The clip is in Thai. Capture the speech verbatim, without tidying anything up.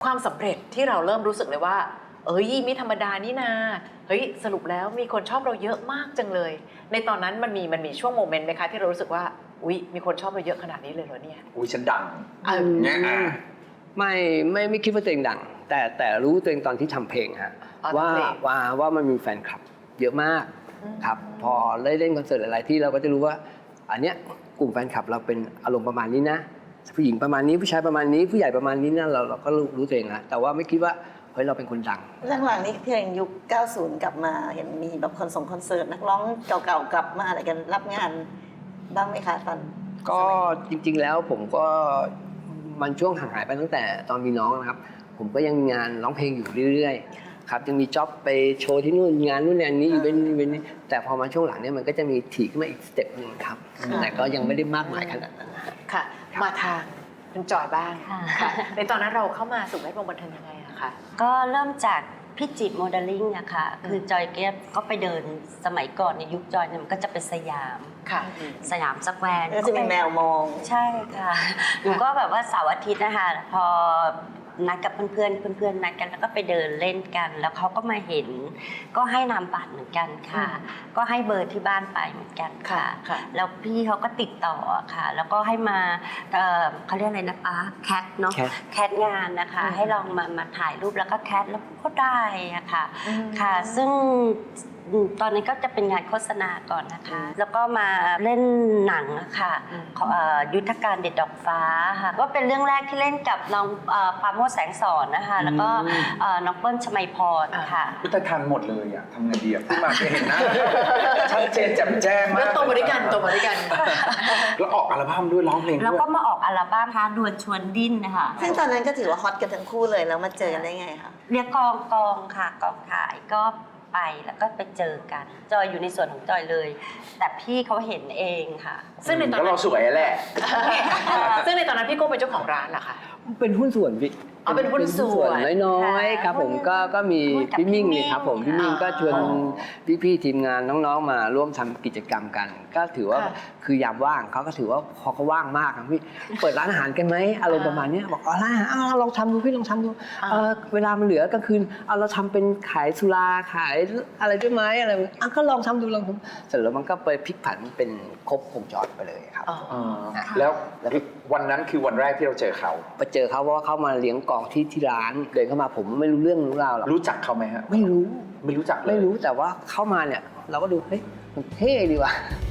ความสำเร็จที่เราเริ่มรู้สึกเลยว่าเอ้ยไม่ธรรมดานี่นาเฮ้ยสรุปแล้วมีคนชอบเราเยอะมากจังเลยในตอนนั้นมันมีมันมีช่วงโมเมนต์ไหมคะที่เรารู้สึกว่าอุ๊ยมีคนชอบเราเยอะขนาดนี้เลยเหรอเนี่ยอุ้ยฉันดังเออเนี่ยอ่ะไม่ไม่ไม่คิดว่าตัวเองดัง แต่แต่รู้ตัวเองตอนที่ทำเพลงฮะว่าว่าว่ามันมีแฟนคลับเยอะมากครับพอได้เล่นคอนเสิร์ตหลายๆที่เราก็จะรู้ว่าอันเนี้ยกลุ่มแฟนคลับเราเป็นอารมณ์ประมาณนี้นะผู้หญิงประมาณนี้ผู้ชายประมาณนี้ผู้ใหญ่ประมาณนี้นะเราเราก็รู้รู้ตัวเองแล้วแต่ว่าไม่คิดว่าเฮ้ยเราเป็นคนดังหลังๆนี้เพลงยุคเก้าสิบกลับมาเห็นมีแบบคอนส่งคอนเสิร์ตนักร้องเก่าๆกลับมาอะไรกันรับงานบ้างไหมคะตอนก็จริงๆแล้วผมก็มันช่วงห่างหายไปตั้งแต่ตอนมีน้องนะครับผมก็ยังมีงานร้องเพลงอยู่เรื่อยๆครับยังมีจ็อบไปโชว์ที่นู่นงานนู่นงานนี้อีเวนต์อีเวนต์นี้แต่พอมาช่วงหลังเนี่ยมันก็จะมีถี่ขึ้นมาอีกสเต็ปหนึ่งครับแต่ก็ยังไม่ได้มากมายขนาดนั้นค่ะมาทางคุณจอยบ้างค่ะในตอนนั้นเราเข้ามาสู่แวดวงบันเทิงยังไงอะคะก็เริ่มจากพี่จิตรโมเดลลิ่งอะค่ะคือจอยเก็บก็ไปเดินสมัยก่อนในยุคจอยเนี่ยมันก็จะเป็นสยามค่ะสยามสแควร์ก็จะมีแมวมองใช่ค่ะหนูก็แบบว่าเสาร์อาทิตย์นะคะพอนัดกับเพื่อนๆเพื่อนๆนัดกันแล้วก็ไปเดินเล่นกันแล้วเขาก็มาเห็นก็ให้นามบัตรเหมือนกันค่ะก็ให้เบอร์ที่บ้านไปเหมือนกันค่ะแล้วพี่เขาก็ติดต่อค่ะแล้วก็ให้มาเขาเรียกอะไรนะคะแคทเนาะแคทงานนะคะให้ลองมามาถ่ายรูปแล้วก็แคทแล้วก็ได้อะค่ะค่ะซึ่งตอนนี้ก็จะเป็นงานโฆษณาก่อนนะคะแล้วก็มาเล่นหนังค่ะยุทธการเด็ดดอกฟ้าค่ะก็เป็นเรื่องแรกที่เล่นกับน้องปราโมชแสงสอนนะคะแล้วก็น้องเปิ้ลชมัยพรค่ะพุทธทานหมดเลยอ่ะทำไงดีอ่ะพี่มาจะเห็นนะชัดเจนแจ่มแจ้งมากแล้วโตมาด้วยกันโตมาด้วยกันแล้วออกอัลบั้มด้วยร้องเพลงด้วยแล้วก็มาออกอัลบั้มค่ะดวลชวนดิ้นนะคะซึ่งตอนนั้นก็ถือว่าฮอตกันทั้งคู่เลยแล้วมาเจอกันได้ไงคะเรียกกองกองค่ะกองถ่ายก็ไปแล้วก็ไปเจอกันจอยอยู่ในส่วนของจอยเลยแต่พี่เขาเห็นเองค่ะซึ่งในตอนนั้นเราสวยแหละซึ่งในตอนนั้นพี่โก้เป็นเจ้าของร้านเหรอคะเป็นหุ้นส่วนพี่อ๋อเป็นหุ้นส่วนน้อยๆครับผมก็ก็มีพี่มิ่งนี่ครับผมพี่มิ่งก็ชวนพี่ๆทีมงานน้องๆมาร่วมทำกิจกรรมกันก็ถือว่าคือยามว่างเขาก็ถือว่าพอเขาว่างมากครับพี่เปิดร้านอาหารกันไหมอารมณ์ประมาณนี้บอกอ๋อร้านอาหารอ้าวลองทำดูพี่ลองทำดูเวลามันเหลือกลางคืนเอาเราทำเป็นขายสุราขายอะไรด้วยไหมอะไรอ่ะก็ลองทำดูลองทำเสร็จแล้วมันก็ไปพลิกผันเป็นครบวงจรไปเลยครับแล้ววันนั้นคือวันแรกที่เราเจอเขาไปเจอเขาเพราะว่าเขามาเลี้ยงกองที่ที่ร้านเดินเข้ามาผมไม่รู้เรื่องรู้ราวหรอกรู้จักเขาไหมฮะไม่รู้ไม่รู้จักไม่รู้แต่ว่าเข้ามาเนี่ยเราก็ดูเฮ้ยมันเท่ดีว่ะ